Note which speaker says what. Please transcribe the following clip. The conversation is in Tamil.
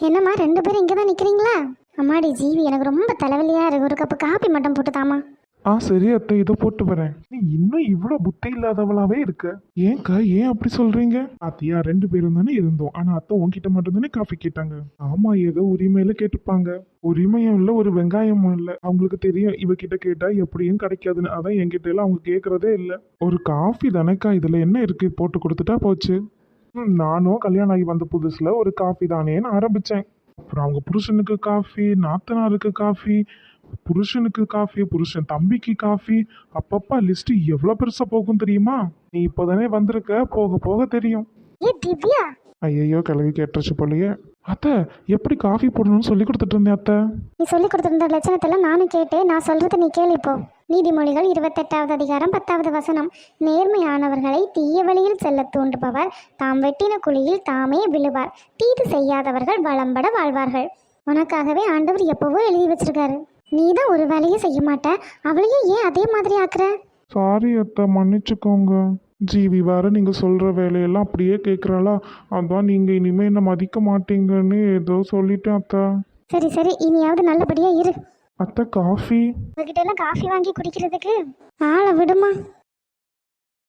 Speaker 1: என்னம்மா 2 பேரும் இங்கே தான் நிற்கிறீங்களா? அம்மாடி ஜீவி, எனக்கு ரொம்ப தலைவலியாக இருக்கு. ஒரு கப்பு காப்பி மட்டும் போட்டு தாமா.
Speaker 2: சரி அத்தை, இதை போட்டு வரேன். நீ இன்னும் இவ்வளோ புத்தி இல்லாதவளாவே இருக்க. ஏன்க்கா, ஏன் அப்படி சொல்றீங்க? அத்தையா 2 பேரும் தானே இருந்தோம். ஆனா அத்தை உன்கிட்ட மட்டும் தானே காஃபி கேட்டாங்க. ஆமா, ஏதோ உரிமையில கேட்டுப்பாங்க. உரிமையும் இல்லை, ஒரு வெங்காயமும் இல்லை. அவங்களுக்கு தெரியும் இவகிட்ட கேட்டா எப்படியும் கிடைக்காதுன்னு. அதான் என்கிட்ட எல்லாம் அவங்க கேட்கறதே இல்லை. ஒரு காஃபி தானேக்கா, இதுல என்ன இருக்கு, போட்டு கொடுத்துட்டா போச்சு. நானும் கல்யாணம் ஆகி வந்த புதுசுல ஒரு காஃபி தானேன்னு ஆரம்பிச்சேன். அப்புறம் அவங்க புருஷனுக்கு காஃபி, நாத்தனாருக்கு காஃபி, புருஷனுக்கு காஃபி, புருஷன் தம்பிக்கு காஃபி. அப்பப்பா லிஸ்ட் எவ்வளவு பெருசா போகும் தெரியுமா? நீ இப்போதானே வந்திருக்க, போக போக தெரியும்.
Speaker 1: ஏ திவ்யா,
Speaker 2: ஐயோ, கிளவி கேட்டுருச்சு போலயே. அத்தை, எப்படி காஃபி போடணும்னு சொல்லி கொடுத்துட்டு இருந்தேன் அத்தை.
Speaker 1: நீ சொல்லி கொடுத்துருந்த லட்சணத்தெல்லாம் நானும் கேட்டேன். நான் சொல்றது நீ கேளு இப்போ. நீதிமொழிகள் 28வது அதிகாரம் 10வது வசனம். நேர்மையானவர்களை தீய வழியில் செல்ல தூண்டுபவர் தாம் வெட்டின குழியில் தாமே விழுவார். தீது செய்யாதவர்கள் வளம்பட வாழ்வார்கள். உனக்காகவே ஆண்டவர் எப்பவோ எழுதி வச்சிருக்காரு. நீ தான் ஒரு வேலையை செய்ய மாட்ட, அவளையும் ஏன் அதே மாதிரி ஆக்குற?
Speaker 2: சாரி அத்தை, மன்னிச்சுக்கோங்க. ஜீவி வேற நீங்க சொல்ற வேலையெல்லாம் அப்படியே கேட்குறாளா? அதான் நீங்க இனிமே என்ன மதிக்க மாட்டீங்கன்னு ஏதோ சொல்லிட்டேன் அத்தை.
Speaker 1: சரி சரி, இனியாவது நல்லபடியா இரு.
Speaker 2: அத்தை, காஃபி.
Speaker 1: உங்ககிட்ட எல்லாம் காஃபி வாங்கி குடிக்கிறதுக்கு ஆளை விடுமா?